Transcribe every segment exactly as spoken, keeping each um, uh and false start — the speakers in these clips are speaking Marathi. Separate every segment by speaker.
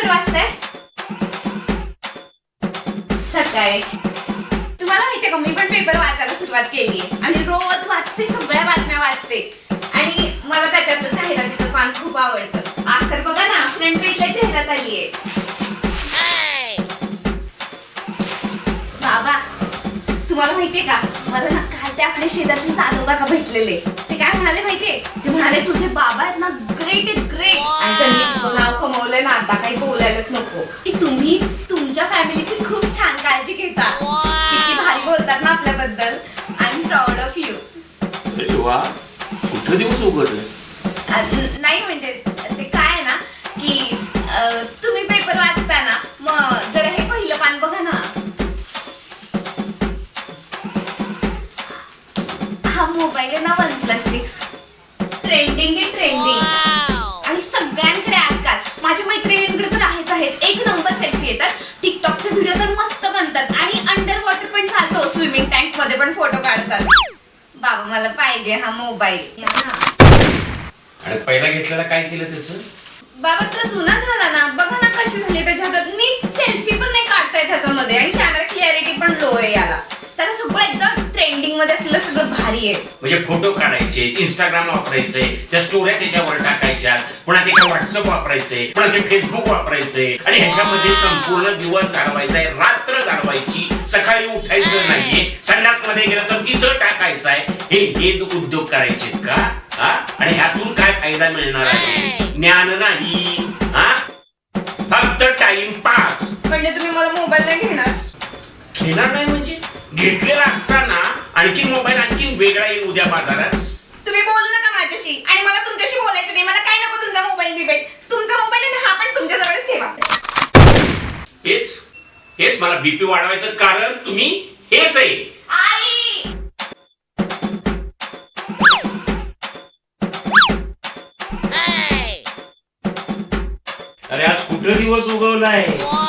Speaker 1: पेपर वाचताय? सकाळी तुम्हाला माहितीये का, मी पण पेपर वाचायला सुरुवात केली आणि रोज वाचते, सगळ्या बातम्या वाचते आणि मला त्याच्यातलं जाहिरातीचं पान खूप आवडतं. आज तर बघा ना, फ्रंट पेजला जाहिरात आली आहे. बाबा तुम्हाला माहितीये का, मला ना काल ते आपले शेजारचे जाधव काका भेटलेले. ते काय म्हणाले माहितीये? ते म्हणाले तुझे बाबा आहेत ना ग्रेट आहेत, ग्रेट. आणि त्यांनी इतकं नाव कमवलंय ना, आता काही बोलायलाच नको की तुम्ही तुमच्या फॅमिलीची खूप छान काळजी घेता. किती भारी बोलतात ना आपल्याबद्दल. I am proud of you.
Speaker 2: अरे वा, कुठं दिवस उघडले?
Speaker 1: नाही म्हणजे ते काय आहे ना की तुम्ही पेपर वाचताना मग जरा हे पहिलं पान बघा ना. हा मोबाईल आहे ना वन प्लस सिक्स, ट्रेंडिंग आहे, ट्रेंडिंग. आणि सगळ्यांकडे आजकाल, माझ्या मैत्रिणींकडे तर आहेच आहेत, एक नंबर सेल्फी येतात. टिकटॉकचे व्हिडिओ तर मस्त बनतात आणि अंडर वॉटर पण चालतो, स्विमिंग टँक मध्ये पण फोटो काढतात. बाबा मला पाहिजे हा मोबाईल.
Speaker 2: आणि पहिला घेतलेला काय केलं त्याचं?
Speaker 1: बाबा तो जुना झाला ना, बघा ना कशी झाली त्याच्यात. नीट सेल्फी पण नाही काढता येत त्याच्यामध्ये आणि कॅमेरा क्लॅरिटी पण लो आहे याला. त्याला सगळं एकदम ट्रेंडिंग मध्ये असलेलं सगळं भारी आहे.
Speaker 2: म्हणजे फोटो काढायचे, इंस्टाग्राम वापरायचे, त्या स्टोऱ्या त्याच्यावर टाकायच्या, पुन्हा ते काय व्हॉट्सअप वापरायचे, पुन्हा ते फेसबुक वापरायचे आणि ह्याच्यामध्ये संपूर्ण दिवस घालवायचा आहे, रात्र घालवायची. सकाळी उठायचं नाहीये, संडास मध्ये गेलं तर तिथं टाकायचं आहे. हे हे उद्योग करायचे का? हा? आणि ह्यातून काय फायदा मिळणार आहे? ज्ञान नाही, हा, फक्त टाइम पास.
Speaker 1: म्हणजे तुम्ही मला मोबाईल नाही घेणार?
Speaker 2: घेणार नाही म्हणजे घेतलेला असताना आणखी मोबाईल आणखी वेगळा येईल उद्या बाजारात.
Speaker 1: तुम्ही बोलू नका माझ्याशी आणि मला तुमच्याशी बोलायचं नाही. मला काय नको तुमचा मोबाईल बिबाईल. तुमचा मोबाईल आहे ना, हा पण तुमच्या जवळच ठेवा.
Speaker 2: हेच हेच मला बीपी वाढवायचं कारण तुम्ही हेच आहे.
Speaker 1: आई
Speaker 2: अरे आज कुठं दिवस उगवलाय?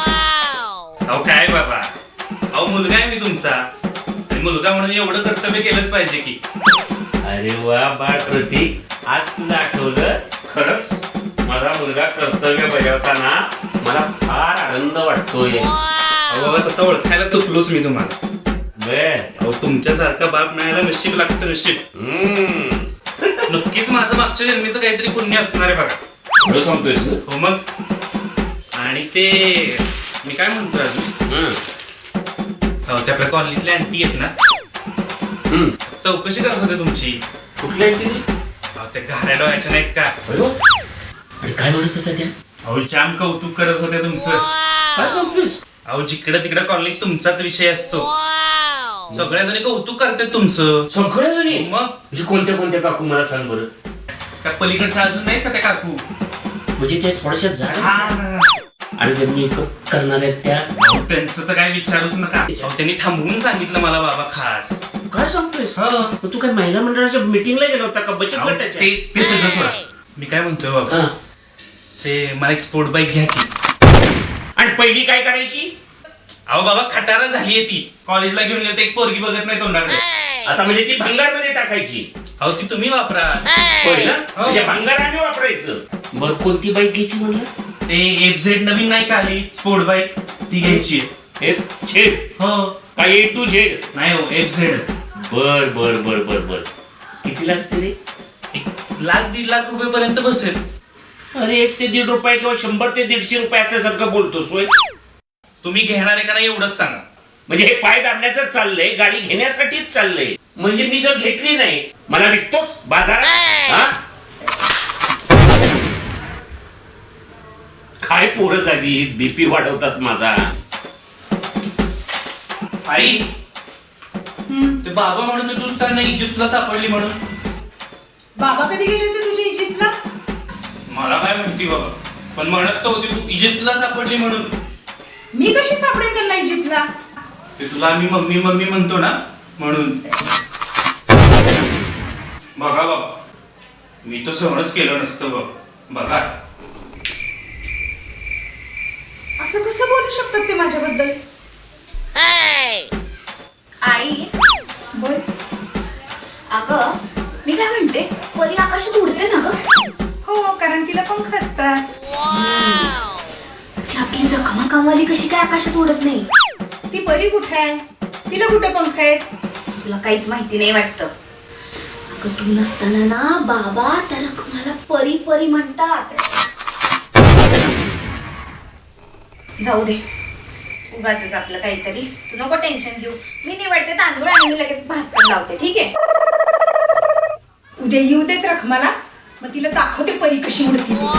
Speaker 3: अहो काय बाबा, अहो मुलगा आहे मी तुमचा आणि मुलगा म्हणून एवढं कर्तव्य केलंच पाहिजे की.
Speaker 2: अरे वा बाळ प्रतीक, आज तुला आठवलं. खरंच माझा मुलगा कर्तव्य बजावताना मला फार आनंद वाटतोय.
Speaker 3: अहो तसं ओळखायला चुकलोच मी तुम्हाला.
Speaker 2: बर,
Speaker 3: अहो तुमच्यासारखा बाप मिळायला नशीब लागतं, नशीब.
Speaker 2: हम्म,
Speaker 3: नक्कीच माझं मागच्या जन्मीचं काहीतरी पुण्य असणार आहे बघा.
Speaker 2: खरं सांगतोयस?
Speaker 3: हो मग. आणि ते मी काय म्हणतोय अजून,
Speaker 2: हम्म,
Speaker 3: अहो ते आपल्या कॉलनीतल्या आंटी आहेत ना,
Speaker 2: हम्म.
Speaker 3: चौकशी करत होते तुमची.
Speaker 2: कुठल्या आहे ते?
Speaker 3: अहो त्या घाऱ्या डोळ्याच्या नाहीत का?
Speaker 2: अरे काय म्हणत होत्या त्या?
Speaker 3: अहो जाम कौतुक करत होते तुमचं.
Speaker 2: काय सांगतोयस?
Speaker 3: अहो जिकडं तिकडं कॉलनीत तुमचाच विषय असतो. सगळ्या जणी कौतुक करतात तुमचं.
Speaker 2: सगळ्या जणी?
Speaker 3: मग
Speaker 2: म्हणजे कोणत्या कोणत्या काकू मला सांग बरं.
Speaker 3: त्या पलीकडच्या अजून नाहीत का त्या काकू?
Speaker 2: म्हणजे त्या थोड्याशा झाड
Speaker 3: हा.
Speaker 2: आणि ज्या मेकअप करणार आहेत त्या?
Speaker 3: अहो, त्यांचं तर काय विचारूच नका. अहो, त्यांनी थांबवून सांगितलं मला बाबा खास.
Speaker 2: काय सांगतोयस?
Speaker 3: हा.
Speaker 2: मग तू काय महिला मंडळाच्या मीटिंगला गेला होता का, बचत
Speaker 3: अहो,
Speaker 2: गटाच्या?
Speaker 3: ते ते सगळं सोडा. मी काय म्हणतोय बाबा,
Speaker 2: हा.
Speaker 3: ते मला एक स्पोर्ट बाईक घ्या की.
Speaker 2: आणि पहिली काय करायची?
Speaker 3: अहो बाबा खटारा झालीये ती. कॉलेजला घेऊन गेलं तर एक पोरगी बघत नाही तोंडाकडे.
Speaker 2: आता म्हणजे ती भंगारमध्ये टाकायची?
Speaker 3: अहो ती तुम्ही वापरा.
Speaker 2: होय ना?
Speaker 3: हो.
Speaker 2: म्हणजे भंगाराने वापरायचं. बरं कोणती बाईक घ्यायची म्हणलं?
Speaker 3: ते एफ झेड नवीन नाही का आली स्पोर्ट बाईक, ती घ्यायची.
Speaker 2: F Z?
Speaker 3: हो.
Speaker 2: का ए टू झेड?
Speaker 3: नाही हो, एफ झेडच.
Speaker 2: बर बर बर बर बर. कितीला असते रे?
Speaker 3: एक लाख दीड लाख रुपये पर्यंत बसेल.
Speaker 2: अरे एक ते दीड रुपये किंवा शंभर ते दीडशे रुपये असल्यासारखं बोलतोस होय?
Speaker 3: तुम्ही घेणार आहे का नाही एवढंच सांगा.
Speaker 2: म्हणजे हे पाय दाबण्याचं चाललंय, गाडी घेण्यासाठीच चाललंय. म्हणजे मी जर घेतली नाही, मला विकतोस बाजारात? हा? काय पोरं झाली, बीपी वाढवतात माझा.
Speaker 3: आई ते बाबा म्हणून तू त्यांना इजिप्तला सापडली म्हणून.
Speaker 4: बाबा कधी गेले होते तुझ्या इजिप्तला?
Speaker 3: मला काय म्हणती बाबा, पण म्हणत तर होती तू इजिप्तला सापडली म्हणून.
Speaker 4: मी कशी सापडेन त्यांना इजिप्तला?
Speaker 3: ते तुला आम्ही मम्मी मम्मी म्हणतो ना म्हणून. बघा बाबा, मी तर सहनच केलं नसतं बाबा. बघा
Speaker 4: असं कसं बोलू शकतात ते माझ्याबद्दल?
Speaker 1: आई
Speaker 4: बोल.
Speaker 1: अगं मी काय म्हणते, परी आकाशात उडते ना ग?
Speaker 4: हो, कारण तिला पंख असतात.
Speaker 1: ही रखमा कामवाली कशी काय आकाशात उडत नाही?
Speaker 4: ती परी कुठे आहे? तिला कुठे पंख आहेत?
Speaker 1: तुला काहीच माहिती नाही वाटतं. अगं तू नसताना ना बाबा त्या रखमाला परी परी म्हणतात. जाऊ दे, उगाच आपलं काहीतरी. तू नको टेन्शन घेऊ. मी निवडते तांदूळ आणि लगेच भात पण लावते, ठीक आहे?
Speaker 4: उद्या येऊ देच रखमाला, मग तिला दाखवते परी कशी उडती ती.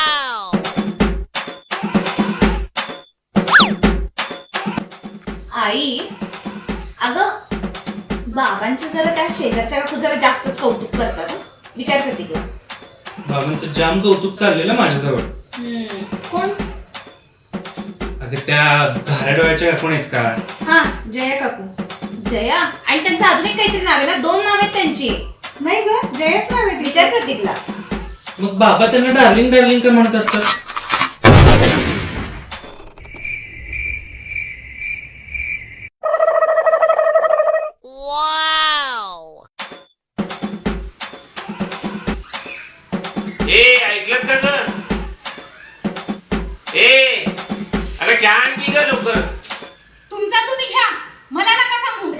Speaker 1: आई, अगं बाबांचं जरा त्या शेजारच्या काकू जरा जास्तच कौतुक करतात हं. विचार करते की
Speaker 3: बाबांचं जाम कौतुक चाललेलं माझ्याजवळ.
Speaker 1: कोण?
Speaker 3: अगं त्या घाऱ्या डोळ्याच्या काकून आहेत का?
Speaker 1: हा, जया काकू. जया आणि त्यांचं अजून एक काहीतरी नाव आहे ना, दोन नाव आहेत त्यांची.
Speaker 4: नाही ग, जयच नाव आहे तिचं.
Speaker 1: विचार प्रतीकला.
Speaker 3: मग बाबा त्यांना डार्लिंग डार्लिंग का म्हणत असतात?
Speaker 2: ए ऐकलं का ग? ए अगं चहा आणखी ग लवकर.
Speaker 4: तुमचा तुम्ही घ्या, मला नका सांगू.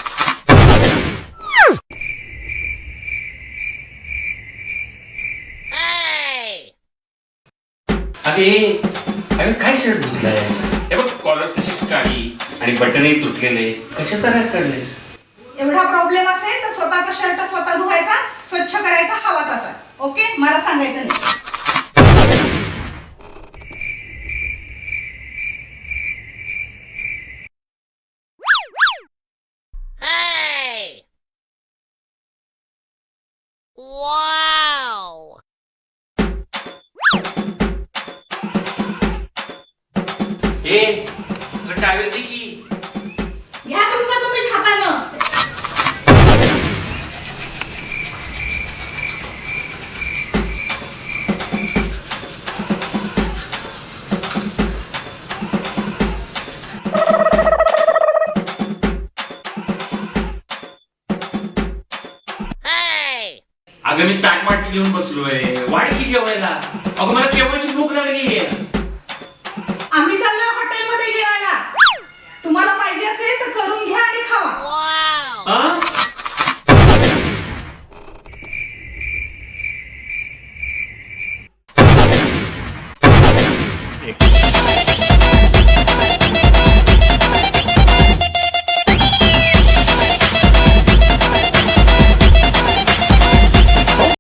Speaker 2: अरे अगं काय शर्ट धुतलायस? हे बघ कॉलर तशीच काळी आणि बटनही तुटलेले. कशाचा राग काढलेस?
Speaker 4: एवढा प्रॉब्लेम असेल तर स्वतःचा शर्ट स्वतः धुवायचा, स्वच्छ करायचा, हवा तसा. ओके, मला सांगायचं नाही.
Speaker 2: ए अगं टावेल दे की.
Speaker 4: घ्या तुमचा तुम्हीच हातानं.
Speaker 2: अगं मी ताट माटी घेऊन बसलोय. वाढ की जेवायला. अगं मला केव्हाची भूक लागली आहे.